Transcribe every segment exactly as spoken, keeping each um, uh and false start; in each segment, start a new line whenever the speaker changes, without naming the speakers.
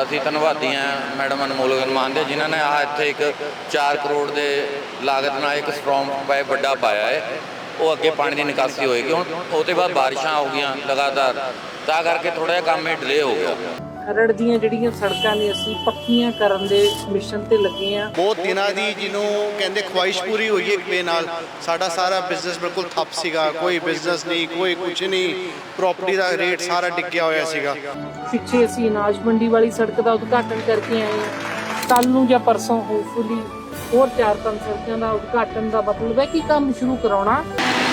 ਅਸੀਂ ਧੰਨਵਾਦੀ ਹਾਂ ਮੈਡਮ ਅਨਮੋਲ ਗਰਮਾਨ ਦੇ, ਜਿਨ੍ਹਾਂ ਨੇ ਆ ਇੱਥੇ ਇੱਕ ਚਾਰ ਕਰੋੜ ਦੇ ਲਾਗਤ ਨਾਲ ਇੱਕ ਸਟਰੋਂਗ ਪਾਈਪ ਵੱਡਾ ਪਾਇਆ ਹੈ। ਉਹ ਅੱਗੇ ਪਾਣੀ ਦੀ ਨਿਕਾਸੀ ਹੋਏਗੀ। ਹੁਣ ਉਹਦੇ ਬਾਅਦ ਬਾਰਿਸ਼ਾਂ ਹੋ ਗਈਆਂ ਲਗਾਤਾਰ, ਤਾਂ ਕਰਕੇ ਥੋੜ੍ਹਾ ਜਿਹਾ ਕੰਮ ਇਹ ਡਿਲੇ ਹੋ ਗਿਆ।
ਖਰੜ ਦੀਆਂ ਜਿਹੜੀਆਂ ਸੜਕਾਂ ਨੇ ਅਸੀਂ ਪੱਕੀਆਂ ਕਰਨ ਦੇ ਮਿਸ਼ਨ ਤੇ ਲੱਗੇ ਆ।
ਬਹੁਤ ਦਿਨਾਂ ਦੀ ਜਿਹਨੂੰ ਕਹਿੰਦੇ ਖੁਆਇਸ਼ ਪੂਰੀ ਹੋਈ ਹੈ ਇੱਕ ਵੇ ਨਾਲ। ਸਾਡਾ ਸਾਰਾ ਬਿਜ਼ਨਸ ਬਿਲਕੁਲ ਠੱਪ ਸੀਗਾ, ਕੋਈ ਬਿਜ਼ਨਸ ਨਹੀਂ, ਕੋਈ ਕੁਝ ਨਹੀਂ, ਪ੍ਰਾਪਰਟੀ ਦਾ ਰੇਟ ਸਾਰਾ ਡਿੱਗਿਆ ਹੋਇਆ ਸੀਗਾ।
ਪਿੱਛੇ ਅਸੀਂ ਅਨਾਜ ਮੰਡੀ ਵਾਲੀ ਸੜਕ ਦਾ ਉਦਘਾਟਨ ਕਰਕੇ ਆਏ ਹਾਂ। ਕੱਲ ਨੂੰ ਜਾਂ ਪਰਸੋਂ ਹੋਪਫੁਲੀ ਹੋਰ ਚਾਰ ਪੰਜ ਸੜਕਾਂ ਦਾ ਉਦਘਾਟਨ ਦਾ ਮਤਲਬ ਹੈ ਕਿ ਕੰਮ ਸ਼ੁਰੂ ਕਰਾਉਣਾ।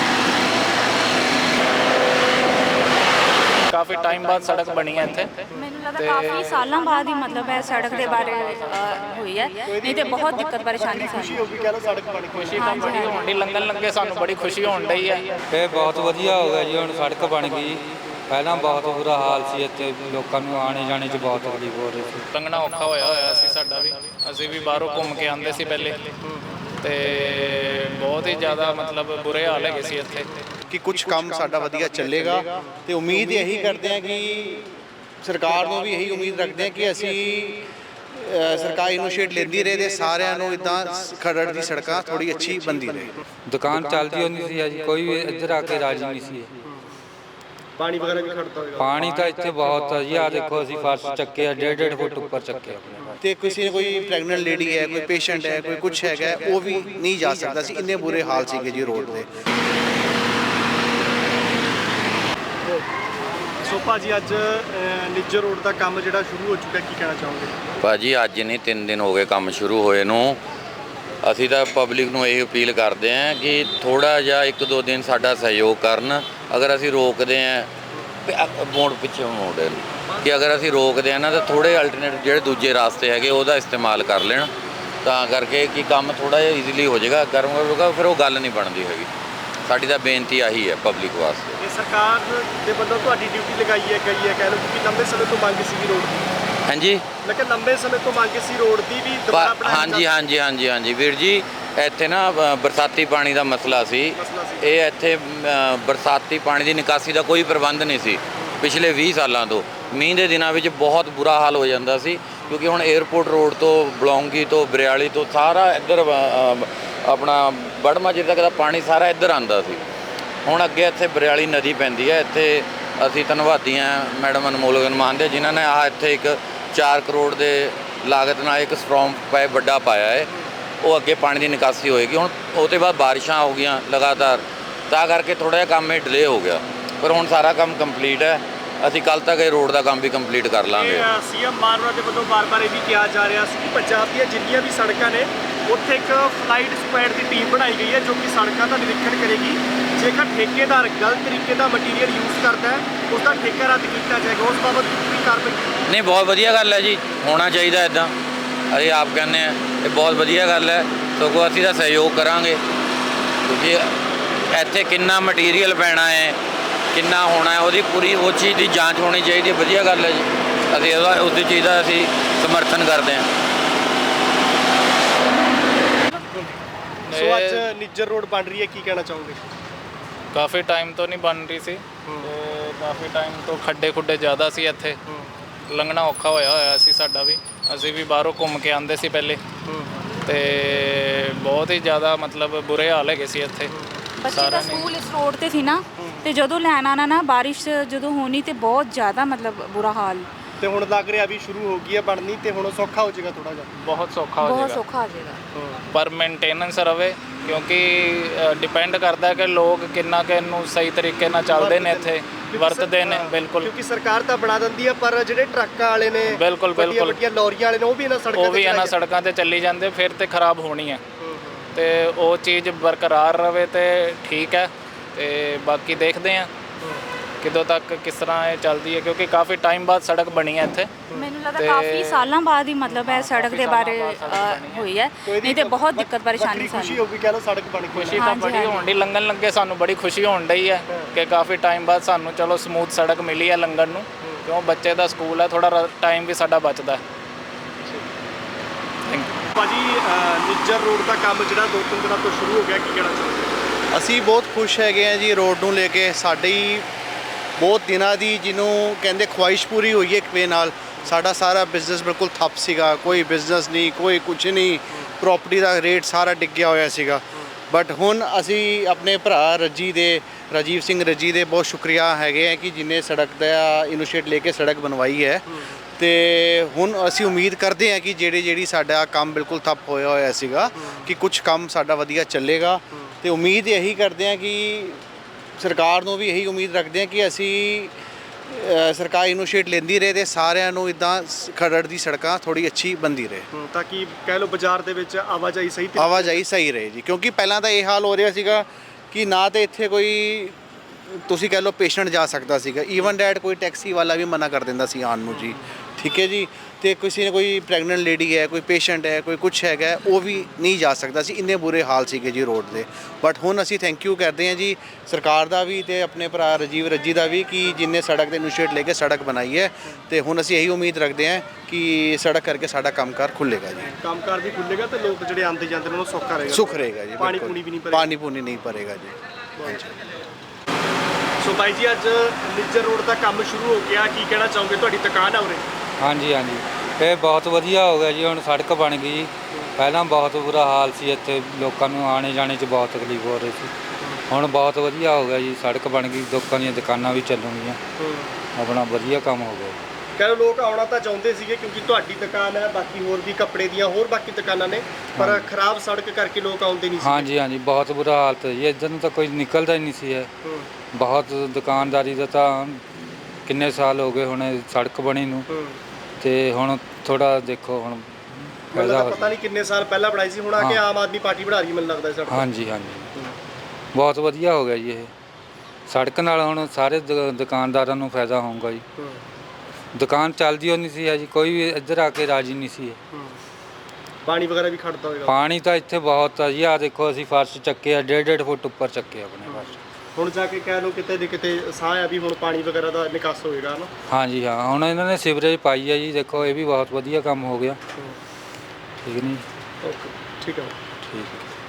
ਕਾਫੀ ਟਾਈਮ ਬਾਅਦ ਸੜਕ ਬਣੀ ਹੈ ਇੱਥੇ।
ਮੈਨੂੰ ਲੱਗਦਾ ਕਾਫੀ ਸਾਲਾਂ ਬਾਅਦ ਹੀ ਮਤਲਬ ਹੈ ਸੜਕ ਦੇ ਬਾਰੇ ਹੋਈ ਹੈ, ਨਹੀਂ ਤੇ ਬਹੁਤ ਦਿੱਕਤ ਪਰੇਸ਼ਾਨੀ
ਖੁਸ਼ੀ ਹੋ ਗਈ ਕਹਿ ਲਓ ਸੜਕ ਬਣ ਗਈ।
ਖੁਸ਼ੀ ਤਾਂ ਬੜੀ ਹੋਣ ਦੀ, ਲੰਘਣ ਲੱਗੇ ਸਾਨੂੰ ਬੜੀ ਖੁਸ਼ੀ ਹੋਣ ਡਈ ਹੈ।
ਇਹ ਬਹੁਤ ਵਧੀਆ ਹੋ ਗਿਆ ਜੀ, ਹੁਣ ਸੜਕ ਬਣ ਗਈ। ਪਹਿਲਾਂ ਬਹੁਤ ਬੁਰਾ ਹਾਲ ਸੀ ਇੱਥੇ, ਲੋਕਾਂ ਨੂੰ ਆਣੇ ਜਾਣੇ 'ਚ ਬਹੁਤ ਤਕਲੀਫ ਹੋ ਰਹੀ ਸੀ।
ਲੰਘਣਾ ਔਖਾ ਹੋਇਆ ਹੋਇਆ ਸੀ ਸਾਡਾ ਵੀ। ਅਸੀਂ ਵੀ ਬਾਹਰੋਂ ਘੁੰਮ ਕੇ ਆਉਂਦੇ ਸੀ ਪਹਿਲੇ, ਤੇ ਬਹੁਤ ਹੀ ਜ਼ਿਆਦਾ ਮਤਲਬ ਬੁਰੇ ਹਾਲ ਹੈਗੇ ਸੀ ਇੱਥੇ।
ਕਿ ਕੁਝ ਕੰਮ ਸਾਡਾ ਵਧੀਆ ਚੱਲੇਗਾ ਤੇ ਉਮੀਦ ਇਹੀ ਕਰਦੇ ਹਾਂ ਕਿ ਸਰਕਾਰ ਨੂੰ ਵੀ ਇਹੀ ਉਮੀਦ ਰੱਖਦੇ ਹਾਂ ਕਿ ਅਸੀਂ ਸਰਕਾਰ ਇਨੀਸ਼ੀਏਟ ਲੈਂਦੀ ਰਹੇ ਤੇ ਸਾਰਿਆਂ ਨੂੰ ਇਦਾਂ ਖਰੜ ਦੀ ਸੜਕਾਂ ਥੋੜੀ ਅੱਛੀ ਬਣਦੀ ਰਹੇ।
ਦੁਕਾਨ ਚੱਲਦੀ ਹੁੰਦੀ ਸੀ ਜੀ, ਕੋਈ ਵੀ ਇੱਧਰ ਆ ਕੇ ਰਾਜੀ ਨਹੀਂ ਸੀ।
ਪਾਣੀ ਵਗੈਰਾ ਵੀ ਖੜਦਾ ਹੋਵੇਗਾ।
ਪਾਣੀ ਤਾਂ ਇੱਥੇ ਬਹੁਤ ਆ ਜੀ। ਆ ਦੇਖੋ ਅਸੀਂ ਫਰਸ਼ ਚੱਕੇ ਆ, ਡੇਢ ਡੇਢ ਫੁੱਟ ਉੱਪਰ ਚੱਕੇ ਆਪਣੇ।
ਤੇ ਕਿਸੇ ਕੋਈ ਪ੍ਰੈਗਨੈਂਟ ਲੇਡੀ ਹੈ, ਕੋਈ ਪੇਸ਼ੈਂਟ ਹੈ, ਕੋਈ ਕੁਝ ਹੈਗਾ, ਉਹ ਵੀ ਨਹੀਂ ਜਾ ਸਕਦਾ ਸੀ। ਇੰਨੇ ਬੁਰੇ ਹਾਲ ਸੀਗੇ ਜੀ ਰੋਡ ਦੇ।
ਸੋ ਭਾਜੀ ਅੱਜ ਨਿੱਜਰ ਰੋਡ ਦਾ ਕੰਮ ਜਿਹੜਾ ਸ਼ੁਰੂ ਹੋ ਚੁੱਕਾ, ਕੀ ਕਹਿਣਾ ਚਾਹੋਗੇ?
ਭਾਜੀ ਅੱਜ ਨਹੀਂ, ਤਿੰਨ ਦਿਨ ਹੋ ਗਏ ਕੰਮ ਸ਼ੁਰੂ ਹੋਏ ਨੂੰ। ਅਸੀਂ ਤਾਂ ਪਬਲਿਕ ਨੂੰ ਇਹ ਅਪੀਲ ਕਰਦੇ ਹਾਂ ਕਿ ਥੋੜ੍ਹਾ ਜਿਹਾ ਇੱਕ ਦੋ ਦਿਨ ਸਾਡਾ ਸਹਿਯੋਗ ਕਰਨ। ਅਗਰ ਅਸੀਂ ਰੋਕਦੇ ਹਾਂ ਮੋੜ ਪਿੱਛੇ ਮੋੜੇ ਕਿ ਅਗਰ ਅਸੀਂ ਰੋਕਦੇ ਹਾਂ ਨਾ ਤਾਂ ਥੋੜ੍ਹੇ ਅਲਟਰਨੇਟ ਜਿਹੜੇ ਦੂਜੇ ਰਾਸਤੇ ਹੈਗੇ ਉਹਦਾ ਇਸਤੇਮਾਲ ਕਰ ਲੈਣ, ਤਾਂ ਕਰਕੇ ਕਿ ਕੰਮ ਥੋੜ੍ਹਾ ਜਿਹਾ ਈਜ਼ੀਲੀ ਹੋ ਜਾਏਗਾ। ਗਰਮ ਹੋਊਗਾ ਫਿਰ ਉਹ ਗੱਲ ਨਹੀਂ ਬਣਦੀ ਹੈਗੀ। ਸਾਡੀ ਤਾਂ ਬੇਨਤੀ ਆਹੀ ਹੈ ਪਬਲਿਕ ਵਾਸਤੇ।
ਇਹ ਸਰਕਾਰ ਦੇ ਵੱਲੋਂ ਤੁਹਾਡੀ ਡਿਊਟੀ ਲਗਾਈ ਹੈ ਗਈ ਹੈ, ਕਹਿ ਲਓ, ਕਿਉਂਕਿ ਲੰਬੇ ਸਮੇਂ ਤੋਂ ਮੰਗ ਸੀ ਰੋਡ ਦੀ।
ਹਾਂਜੀ,
ਮੈਂ ਕਿਹਾ ਲੰਬੇ ਸਮੇਂ ਤੋਂ ਮੰਗ ਸੀ ਰੋਡ ਦੀ ਵੀ ਦੁਬਾਰਾ ਬਣਾਈ।
ਹਾਂਜੀ ਹਾਂਜੀ ਹਾਂਜੀ ਹਾਂਜੀ ਵੀਰ ਜੀ, ਇੱਥੇ ਨਾ ਬਰਸਾਤੀ ਪਾਣੀ ਦਾ ਮਸਲਾ ਸੀ। ਇਹ ਇੱਥੇ ਬਰਸਾਤੀ ਪਾਣੀ ਦੀ ਨਿਕਾਸੀ ਦਾ ਕੋਈ ਪ੍ਰਬੰਧ ਨਹੀਂ ਸੀ ਪਿਛਲੇ ਵੀਹ ਸਾਲਾਂ ਤੋਂ। ਮੀਂਹ ਦੇ ਦਿਨਾਂ ਵਿੱਚ ਬਹੁਤ ਬੁਰਾ ਹਾਲ ਹੋ ਜਾਂਦਾ ਸੀ, ਕਿਉਂਕਿ ਹੁਣ ਏਅਰਪੋਰਟ ਰੋਡ ਤੋਂ ਬਲੌਂਗੀ ਤੋਂ ਬਰਿਆਲੀ ਤੋਂ ਸਾਰਾ ਇੱਧਰ ਆਪਣਾ ਬੜਮਾ ਜਿੱਥੇ ਤੱਕ ਦਾ ਪਾਣੀ ਸਾਰਾ ਇੱਧਰ ਆਉਂਦਾ ਸੀ। ਹੁਣ ਅੱਗੇ ਇੱਥੇ ਬਰਿਆਲੀ ਨਦੀ ਪੈਂਦੀ ਹੈ। ਇੱਥੇ ਅਸੀਂ ਧੰਨਵਾਦੀ ਹਾਂ ਮੈਡਮ ਅਨਮੋਲ ਗਰਮਾਨ ਦੇ, ਜਿਨ੍ਹਾਂ ਨੇ ਆ ਇੱਥੇ ਇੱਕ ਚਾਰ ਕਰੋੜ ਦੇ ਲਾਗਤ ਨਾਲ ਇੱਕ ਸਟਰੋਂਗ ਪਾਈਪ ਵੱਡਾ ਪਾਇਆ ਹੈ। ਉਹ ਅੱਗੇ ਪਾਣੀ ਦੀ ਨਿਕਾਸੀ ਹੋਏਗੀ। ਹੁਣ ਉਹਦੇ ਬਾਅਦ ਬਾਰਿਸ਼ਾਂ ਹੋ ਗਈਆਂ ਲਗਾਤਾਰ, ਤਾਂ ਕਰਕੇ ਥੋੜ੍ਹਾ ਜਿਹਾ ਕੰਮ ਇਹ ਡਿਲੇ ਹੋ ਗਿਆ। ਪਰ ਹੁਣ ਸਾਰਾ ਕੰਮ ਕੰਪਲੀਟ ਹੈ। ਅਸੀਂ ਕੱਲ੍ਹ ਤੱਕ ਇਹ ਰੋਡ ਦਾ ਕੰਮ ਵੀ ਕੰਪਲੀਟ ਕਰ ਲਾਂਗੇ।
ਸੀਐਮ ਮਾਨਵਰਾ ਦੇ ਵੱਲੋਂ ਬਾਰ-ਬਾਰ ਇਹ ਵੀ ਕਿਹਾ ਜਾ ਰਿਹਾ ਸੀ ਕਿ ਪੰਜਾਬ ਦੀਆਂ ਜਿੰਨੀਆਂ ਵੀ ਸੜਕਾਂ ਨੇ ਉੱਥੇ ਇੱਕ ਫਲਾਈਟ ਸਕੁਐਡ ਦੀ ਟੀਮ ਬਣਾਈ ਗਈ ਹੈ, ਜੋ ਕਿ ਸੜਕਾਂ ਦਾ ਨਿਰੀਖਣ ਕਰੇਗੀ। ਜੇਕਰ ਠੇਕੇਦਾਰ ਗਲਤ ਤਰੀਕੇ ਦਾ ਮਟੀਰੀਅਲ ਯੂਜ਼ ਕਰਦਾ ਹੈ, ਉਸ ਦਾ ਠੇਕਾ ਰੱਦ ਕੀਤਾ ਜਾਏਗਾ। ਉਸ ਬਾਬਤ ਕੋਈ ਕਾਰਵਾਈ?
ਨਹੀਂ, ਬਹੁਤ ਵਧੀਆ ਗੱਲ ਹੈ ਜੀ, ਹੋਣਾ ਚਾਹੀਦਾ ਇੱਦਾਂ। ਅਸੀਂ ਆਪ ਕਹਿੰਦੇ ਹਾਂ ਇਹ ਬਹੁਤ ਵਧੀਆ ਗੱਲ ਹੈ, ਸਗੋਂ ਅਸੀਂ ਤਾਂ ਸਹਿਯੋਗ ਕਰਾਂਗੇ, ਕਿਉਂਕਿ ਇੱਥੇ ਕਿੰਨਾ ਮਟੀਰੀਅਲ ਪੈਣਾ ਹੈ, ਕਿੰਨਾ ਹੋਣਾ ਹੈ, ਉਹਦੀ ਪੂਰੀ ਉਹ ਚੀਜ਼ ਦੀ ਜਾਂਚ ਹੋਣੀ ਚਾਹੀਦੀ ਹੈ। ਵਧੀਆ ਗੱਲ ਹੈ ਜੀ, ਅਸੀਂ ਉਹਦਾ ਉਸਦੀ ਚੀਜ਼ ਦਾ ਅਸੀਂ ਸਮਰਥਨ ਕਰਦੇ ਹਾਂ।
ਸੋ ਅੱਜ ਨਿੱਜਰ ਰੋਡ ਬਣ ਰਹੀ ਹੈ, ਕੀ ਕਹਿਣਾ ਚਾਹੋਗੇ?
ਕਾਫੀ ਟਾਈਮ ਤੋਂ ਨਹੀਂ ਬਣ ਰਹੀ ਸੀ, ਤੇ ਕਾਫੀ ਟਾਈਮ ਤੋਂ ਖੱਡੇ ਖੁੱਡੇ ਜ਼ਿਆਦਾ ਸੀ ਇੱਥੇ। ਲੰਘਣਾ ਔਖਾ ਹੋਇਆ ਹੋਇਆ ਸੀ ਸਾਡਾ ਵੀ। ਅਸੀਂ ਵੀ ਬਾਹਰੋਂ ਘੁੰਮ ਕੇ ਆਉਂਦੇ ਸੀ ਪਹਿਲੇ, ਤੇ ਬਹੁਤ ਹੀ ਜ਼ਿਆਦਾ ਮਤਲਬ ਬੁਰੇ ਹਾਲ ਹੈਗੇ ਸੀ ਇੱਥੇ।
ਬੱਚੇ ਦਾ ਸਕੂਲ ਇਸ ਰੋਡ ਤੇ ਸੀ ਨਾ, ਤੇ ਜਦੋਂ ਲੈਣ ਆਣਾ ਨਾ ਬਾਰਿਸ਼ ਜਦੋਂ ਹੋਣੀ ਤੇ ਬਹੁਤ ਜ਼ਿਆਦਾ ਮਤਲਬ ਬੁਰਾ ਹਾਲ।
ਤੇ ਹੁਣ ਲੱਗ ਰਿਹਾ ਵੀ ਸ਼ੁਰੂ ਹੋ ਗਈ ਹੈ ਬਣਨੀ, ਤੇ ਹੁਣ ਸੌਖਾ ਹੋ ਜਾਏਗਾ ਥੋੜਾ ਜਿਹਾ।
ਬਹੁਤ ਸੌਖਾ ਹੋ
ਬਹੁਤ
ਜਾਏਗਾ,
ਸੌਖਾ ਹੋ ਜਾਏਗਾ।
ਪਰ ਮੇਨਟੇਨੈਂਸ ਰਵੇ, ਕਿਉਂਕਿ ਡਿਪੈਂਡ ਕਰਦਾ ਕਿ ਲੋਕ ਕਿੰਨਾ ਕਿ ਇਹਨੂੰ ਸਹੀ ਤਰੀਕੇ ਨਾਲ ਚੱਲਦੇ ਨੇ, ਇੱਥੇ ਵਰਤਦੇ ਨੇ। ਬਿਲਕੁਲ,
ਕਿਉਂਕਿ ਸਰਕਾਰ ਤਾਂ ਬਣਾ ਦਿੰਦੀ ਹੈ, ਪਰ ਜਿਹੜੇ ਟਰੱਕਾਂ ਵਾਲੇ ਨੇ,
ਬਿਲਕੁਲ ਬਿਲਕੁਲ
ਵੱਡੀਆਂ ਲੋਰੀਆਂ ਵਾਲੇ ਨੇ, ਉਹ ਵੀ ਇਹਨਾਂ ਸੜਕਾਂ
ਉਹ ਵੀ ਇਹਨਾਂ ਸੜਕਾਂ ਤੇ ਚੱਲੀ ਜਾਂਦੇ, ਫਿਰ ਤੇ ਖਰਾਬ ਹੋਣੀ ਹੈ। ਤੇ ਉਹ ਚੀਜ਼ ਬਰਕਰਾਰ ਰਵੇ ਤੇ ਠੀਕ ਹੈ। ਤੇ ਬਾਕੀ ਦੇਖਦੇ ਹਾਂ ਕਿਦੋਂ ਤੱਕ ਕਿਸ ਤਰ੍ਹਾਂ ਇਹ ਚੱਲਦੀ ਹੈ, ਕਿਉਂਕਿ ਕਾਫੀ ਟਾਈਮ ਬਾਅਦ ਸੜਕ ਬਣੀ ਹੈ ਇੱਥੇ।
ਮੈਨੂੰ ਲੱਗਦਾ ਕਾਫੀ ਸਾਲਾਂ ਬਾਅਦ ਹੀ ਮਤਲਬ ਹੈ ਸੜਕ ਦੇ ਬਾਰੇ ਹੋਈ ਹੈ, ਨਹੀਂ ਤੇ ਬਹੁਤ ਦਿੱਕਤ ਪਰੇਸ਼ਾਨੀ
ਖੁਸ਼ੀ
ਸਾਨੂੰ।
ਹੋ ਗਈ ਕਹਿ ਲਓ ਸੜਕ ਬਣ ਗਈ।
ਖੁਸ਼ੀ ਤਾਂ ਬੜੀ ਹੋਣ ਦੀ, ਲੰਘਣ ਲੱਗੇ ਸਾਨੂੰ ਬੜੀ ਖੁਸ਼ੀ ਹੋਣ ਡਈ ਹੈ ਕਿ ਕਾਫੀ ਟਾਈਮ ਬਾਅਦ ਸਾਨੂੰ ਚਲੋ ਸਮੂਥ ਸੜਕ ਮਿਲੀ ਹੈ ਲੰਘਣ ਨੂੰ, ਕਿਉਂ ਬੱਚੇ ਦਾ ਸਕੂਲ ਹੈ, ਥੋੜਾ ਟਾਈਮ ਵੀ ਸਾਡਾ ਬਚਦਾ।
ਭਾਜੀ ਨਿੱਜਰ ਰੋਡ ਦਾ ਕੰਮ ਜਿਹੜਾ ਦੋ ਤਿੰਨ ਦਿਨਾਂ ਤੋਂ ਸ਼ੁਰੂ ਹੋ ਗਿਆ, ਕੀ ਕਹਿਣਾ ਚਾਹੁੰਦੇ?
ਅਸੀਂ ਬਹੁਤ ਖੁਸ਼ ਹੈਗੇ ਹਾਂ ਜੀ ਰੋਡ ਨੂੰ ਲੈ ਕੇ। ਸਾਡੀ ਬਹੁਤ ਦਿਨਾਂ ਦੀ ਜਿਹਨੂੰ ਕਹਿੰਦੇ ਖੁਆਇਸ਼ ਪੂਰੀ ਹੋਈ ਹੈ ਇੱਕ ਵੇ ਨਾਲ। ਸਾਡਾ ਸਾਰਾ ਬਿਜ਼ਨਸ ਬਿਲਕੁਲ ਠੱਪ ਸੀਗਾ, ਕੋਈ ਬਿਜ਼ਨਸ ਨਹੀਂ, ਕੋਈ ਕੁਝ ਨਹੀਂ, ਪ੍ਰਾਪਰਟੀ ਦਾ ਰੇਟ ਸਾਰਾ ਡਿੱਗਿਆ ਹੋਇਆ ਸੀਗਾ। ਬਟ ਹੁਣ ਅਸੀਂ ਆਪਣੇ ਭਰਾ ਰੱਜੀ ਦੇ ਰਾਜੀਵ ਸਿੰਘ ਰੱਜੀ ਦੇ ਬਹੁਤ ਸ਼ੁਕਰੀਆ ਹੈਗੇ ਆ ਕਿ ਜਿਨੇ ਸੜਕ ਦਾ ਇਨੀਸ਼ੀਏਟ ਲੈ ਕੇ ਸੜਕ ਬਣਵਾਈ ਹੈ। ਤੇ ਹੁਣ ਅਸੀਂ ਉਮੀਦ ਕਰਦੇ ਹਾਂ ਕਿ ਜਿਹੜੇ ਜਿਹੜੀ ਸਾਡਾ ਕੰਮ ਬਿਲਕੁਲ ਠੱਪ ਹੋਇਆ ਹੋਇਆ ਸੀਗਾ ਕਿ ਕੁਝ ਕੰਮ ਸਾਡਾ ਵਧੀਆ ਚੱਲੇਗਾ। ਤੇ ਉਮੀਦ ਇਹੀ ਕਰਦੇ ਹਾਂ ਕਿ ਸਰਕਾਰ ਨੂੰ ਵੀ ਇਹੀ ਉਮੀਦ ਰੱਖਦੇ ਹਾਂ ਕਿ ਅਸੀਂ ਅ, ਸਰਕਾਰ ਇਨੀਸ਼ੀਏਟ ਲੈਂਦੀ ਰਹੇ ਤੇ ਸਾਰਿਆਂ ਨੂੰ ਇਦਾਂ ਖਰੜ ਦੀ ਸੜਕਾਂ ਥੋੜੀ ਅੱਛੀ ਬਣਦੀ ਰਹੇ,
ਹੂੰ, ਤਾਂ ਕਿ ਕਹਿ ਲਓ ਬਾਜ਼ਾਰ ਦੇ ਵਿੱਚ ਆਵਾਜਾਈ ਸਹੀ ਤਰੀਕੇ
ਆਵਾਜਾਈ ਸਹੀ ਰਹੇ ਜੀ। ਕਿਉਂਕਿ ਪਹਿਲਾਂ ਤਾਂ ਇਹ ਹਾਲ ਹੋ ਰਿਹਾ ਸੀਗਾ ਕਿ ਨਾ ਤੇ ਇੱਥੇ ਕੋਈ ਤੁਸੀਂ ਕਹਿ ਲਓ ਪੇਸ਼ੈਂਟ ਜਾ ਸਕਦਾ ਸੀਗਾ, ਈਵਨ ਡੈਟ ਕੋਈ ਟੈਕਸੀ ਵਾਲਾ ਵੀ ਮਨਾ ਕਰ ਦਿੰਦਾ ਸੀ ਆਉਣ ਨੂੰ ਜੀ, ਠੀਕ ਹੈ ਜੀ। ਤੇ ਕਿਸੇ ਨੇ ਕੋਈ ਪ੍ਰੈਗਨੈਂਟ ਲੇਡੀ ਹੈ, ਕੋਈ ਪੇਸ਼ੈਂਟ ਹੈ, ਕੋਈ ਕੁਛ ਹੈਗਾ, ਉਹ ਵੀ ਨਹੀਂ ਜਾ ਸਕਦਾ ਸੀ, ਇੰਨੇ ਬੁਰੇ ਹਾਲ ਸੀਗੇ ਜੀ ਰੋਡ ਦੇ। ਬਟ ਹੁਣ ਅਸੀਂ ਥੈਂਕ ਯੂ ਕਰਦੇ ਹਾਂ ਜੀ ਸਰਕਾਰ ਦਾ ਵੀ ਤੇ ਆਪਣੇ ਭਰਾ ਰਾਜੀਵ ਰੱਜੀ ਦਾ ਵੀ ਕਿ ਜਿਨਨੇ ਸੜਕ ਦੇ ਇਨੀਸ਼ੀਏਟ ਲੈ ਕੇ ਸੜਕ ਬਣਾਈ ਹੈ। ਤੇ ਹੁਣ ਅਸੀਂ ਇਹੀ ਉਮੀਦ ਰੱਖਦੇ ਹਾਂ ਕਿ ਸੜਕ ਕਰਕੇ ਸਾਡਾ ਕੰਮਕਾਰ ਖੁੱਲੇਗਾ ਜੀ,
ਕੰਮਕਾਰ ਵੀ ਖੁੱਲੇਗਾ ਤੇ ਲੋਕ ਜਿਹੜੇ ਆਉਂਦੇ ਜਾਂਦੇ ਨੇ ਉਹਨਾਂ ਨੂੰ ਸੌਖਾ ਰਹੇਗਾ,
ਸੁੱਖ ਰਹੇਗਾ ਜੀ,
ਪਾਣੀ
ਬਿਲਕੁਲ।
ਪੂਣੀ ਵੀ ਨਹੀਂ ਭਰੇਗਾ।
ਪਾਣੀ ਪੂਣੀ ਨਹੀਂ ਭਰੇਗਾ ਜੀ। ਹਾਂਜੀ।
ਸੋ ਬਾਈ ਜੀ ਅੱਜ ਨਿੱਜਰ ਰੋਡ ਦਾ ਕੰਮ ਸ਼ੁਰੂ ਹੋ ਗਿਆ, ਕੀ ਕਹਿਣਾ ਚਾਹੋਗੇ? ਤੁਹਾਡੀ ਦੁਕਾਨ ਆ ਉਰੇ?
ਹਾਂਜੀ ਹਾਂਜੀ, ਇਹ ਬਹੁਤ ਵਧੀਆ ਹੋ ਗਿਆ ਜੀ, ਹੁਣ ਸੜਕ ਬਣ ਗਈ ਜੀ। ਪਹਿਲਾਂ ਬਹੁਤ ਬੁਰਾ ਹਾਲ ਸੀ, ਇੱਥੇ ਲੋਕਾਂ ਨੂੰ ਆਣੇ ਜਾਣੇ 'ਚ ਬਹੁਤ ਤਕਲੀਫ ਹੋ ਰਹੀ ਸੀ। ਹੁਣ ਬਹੁਤ ਵਧੀਆ ਹੋ ਗਿਆ ਜੀ, ਸੜਕ ਬਣ ਗਈ, ਲੋਕਾਂ ਦੀਆਂ ਦੁਕਾਨਾਂ ਵੀ ਚੱਲਣਗੀਆਂ, ਆਪਣਾ ਵਧੀਆ ਕੰਮ ਹੋ ਗਿਆ ਜੀ।
ਕਹਿੰਦੇ ਲੋਕ ਆਉਣਾ ਤਾਂ ਚਾਹੁੰਦੇ ਸੀਗੇ ਕਿਉਂਕਿ ਤੁਹਾਡੀ ਦੁਕਾਨ ਹੈ, ਬਾਕੀ ਹੋਰ ਵੀ ਕੱਪੜੇ ਦੀਆਂ ਹੋਰ ਬਾਕੀ ਦੁਕਾਨਾਂ ਨੇ, ਪਰ ਖਰਾਬ ਸੜਕ ਕਰਕੇ ਲੋਕ ਆਉਂਦੇ ਨਹੀਂ ਸੀ।
ਹਾਂਜੀ ਹਾਂਜੀ, ਬਹੁਤ ਬੁਰਾ ਹਾਲਤ ਹੈ ਜੀ, ਇੱਧਰ ਨੂੰ ਤਾਂ ਕੋਈ ਨਿਕਲਦਾ ਹੀ ਨਹੀਂ ਸੀ ਹੈ। ਬਹੁਤ ਦੁਕਾਨਦਾਰੀ ਦਾ ਤਾਂ ਕਿੰਨੇ ਸਾਲ ਹੋ ਗਏ ਹੁਣ ਇਹ ਸੜਕ ਬਣੀ ਨੂੰ, ਤੇ ਹੁਣ ਥੋੜਾ ਦੇਖੋ ਹੁਣ
ਪਹਿਲਾਂ
ਫਾਇਦਾ
ਤਾਂ ਪਤਾ ਨਹੀਂ ਕਿੰਨੇ ਸਾਲ ਪਹਿਲਾਂ ਬਣਾਈ ਸੀ, ਹੁਣ ਆ ਕੇ ਆਮ ਆਦਮੀ ਪਾਰਟੀ ਬਣਾ ਰਹੀ ਮੈਨੂੰ ਲੱਗਦਾ ਸੜਕ।
ਹਾਂਜੀ ਹਾਂਜੀ, ਬਹੁਤ ਵਧੀਆ ਹੋ ਗਿਆ ਜੀ ਇਹ ਸੜਕ ਨਾਲ। ਹੁਣ ਸਾਰੇ ਦੁ- ਦੁਕਾਨਦਾਰਾਂ ਨੂੰ ਫਾਇਦਾ ਹੋਊਗਾ ਜੀ। ਦੁਕਾਨ ਚੱਲਦੀ ਹੋ ਨਹੀਂ ਸੀ ਜੀ, ਕੋਈ ਵੀ ਇੱਧਰ ਆ ਕੇ ਰਾਜੀ ਨਹੀਂ ਸੀ।
ਪਾਣੀ ਵਗੈਰਾ ਵੀ ਖੜਦਾ ਹੋਏਗਾ?
ਪਾਣੀ ਤਾਂ ਇੱਥੇ ਬਹੁਤ ਆ ਜੀ, ਆ ਦੇਖੋ ਅਸੀਂ ਫਰਸ਼ ਚੱਕੇ ਆ, ਡੇਢ ਡੇਢ ਫੁੱਟ ਉੱਪਰ ਚੱਕੇ ਆਪਣੇ ਫਰਸ਼।
ਹੁਣ ਜਾ ਕੇ ਕਹਿ ਲਓ ਕਿਤੇ ਦੇ ਕਿਤੇ ਸਾਹ ਆ ਵੀ ਹੁਣ ਪਾਣੀ ਵਗੈਰਾ ਦਾ ਨਿਕਾਸ ਹੋਏਗਾ ਨਾ।
ਹਾਂਜੀ ਹਾਂ, ਹੁਣ ਇਹਨਾਂ ਨੇ ਸੀਵਰੇਜ ਪਾਈ ਆ ਜੀ, ਦੇਖੋ ਇਹ ਵੀ ਬਹੁਤ ਵਧੀਆ ਕੰਮ ਹੋ ਗਿਆ। ਠੀਕ ਨਹੀਂ?
ਓਕੇ, ਠੀਕ ਹੈ।
ਠੀਕ ਹੈ।